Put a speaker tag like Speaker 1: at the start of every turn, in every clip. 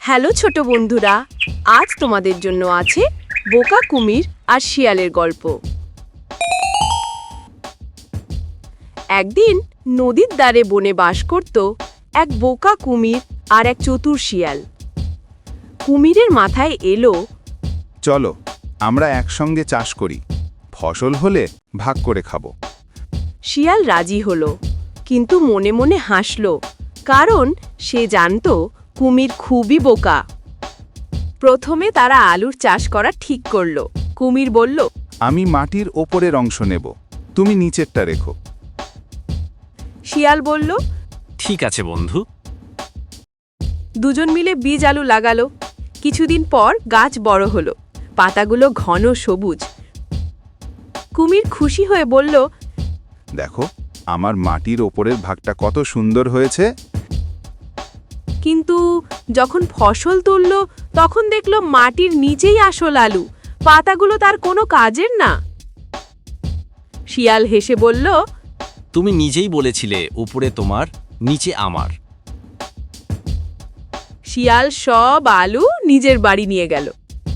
Speaker 1: Hello ছোট বন্ধুরা, আজ তোমাদের জন্য আছে বোকা কুমির আর শিয়ালের গল্প। একদিন নদীর ধারে বনে বাস করত এক বোকা কুমির আর এক চতুর শিয়াল। কুমিরের মাথায় এলো,
Speaker 2: চলো আমরা একসঙ্গে চাষ করি, ফসল হলে ভাগ করে খাবো।
Speaker 1: শিয়াল রাজি হলো, কিন্তু মনে মনে হাসল, কারণ সে জানত কুমির খুবই বোকা। প্রথমে তারা আলুর চাষ করা ঠিক করলো। কুমির বলল,
Speaker 2: আমি মাটির ওপরের অংশ নেব, তুমি নিচেরটা রেখো।
Speaker 1: শিয়াল বলল,
Speaker 3: ঠিক আছে বন্ধু।
Speaker 1: দুজন মিলে বীজ আলু লাগালো। কিছুদিন পর গাছ বড় হলো, পাতাগুলো ঘন সবুজ। কুমির খুশি হয়ে বলল,
Speaker 2: দেখো আমার মাটির ওপরের ভাগটা কত সুন্দর হয়েছে।
Speaker 1: কিন্তু যখন ফসল তুলল তখন দেখলো মাটির নিচেই আসল আলু, পাতাগুলো তার কোনো কাজের না। শিয়াল হেসে বলল,
Speaker 3: তুমি নিজেই বলেছিলে উপরে তোমার, নিচে আমার।
Speaker 1: শিয়াল সব আলু নিজের বাড়ি নিয়ে গেল।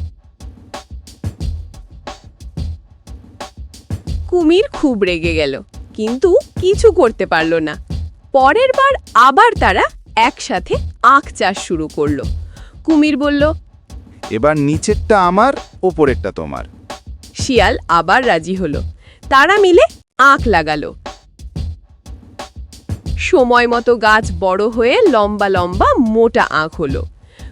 Speaker 1: কুমির খুব রেগে গেল, কিন্তু কিছু করতে পারল না। পরের বার আবার তারা একসাথে আখ চাষ শুরু করলো। কুমির বলল,
Speaker 2: এবার নিচেরটা আমার, ওপরেরটা তোমার।
Speaker 1: শিয়াল আবার রাজি হলো। তারা মিলে আখ লাগালো। সময় মতো গাছ বড় হয়ে লম্বা লম্বা মোটা আখ হলো।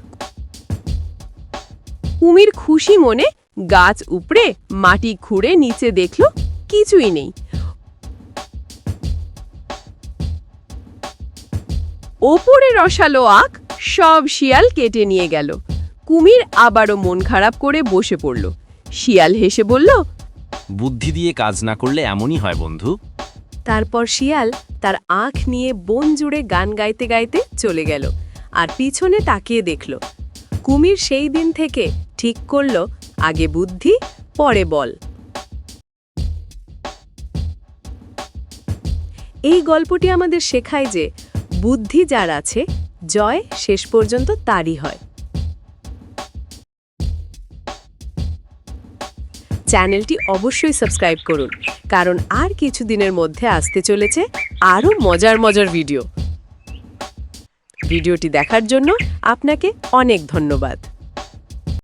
Speaker 1: কুমির খুশি মনে গাছ উপড়ে মাটি খুঁড়ে নিচে দেখল কিছুই নেই। ওপরে রসালো আখ সব শিয়াল কেটে নিয়ে গেল। কুমির আবারও মন খারাপ করে বসে পড়ল। শিয়াল হেসে বলল,
Speaker 3: বুদ্ধি দিয়ে কাজ না করলে এমনই হয় বন্ধু।
Speaker 1: তারপর শিয়াল তার আখ নিয়ে বন জুড়ে গান গাইতে গাইতে চলে গেল, আর পিছনে তাকিয়ে দেখল। কুমির সেই দিন থেকে ঠিক করল, আগে বুদ্ধি পরে বল। এই গল্পটি আমাদের শেখায় যে বুদ্ধি যার আছে, জয় শেষ পর্যন্ত তারই হয়। চ্যানেলটি অবশ্যই সাবস্ক্রাইব করুন, কারণ আর কিছুদিনের মধ্যে আসতে চলেছে আরও মজার ভিডিও। ভিডিওটি দেখার জন্য আপনাকে অনেক ধন্যবাদ।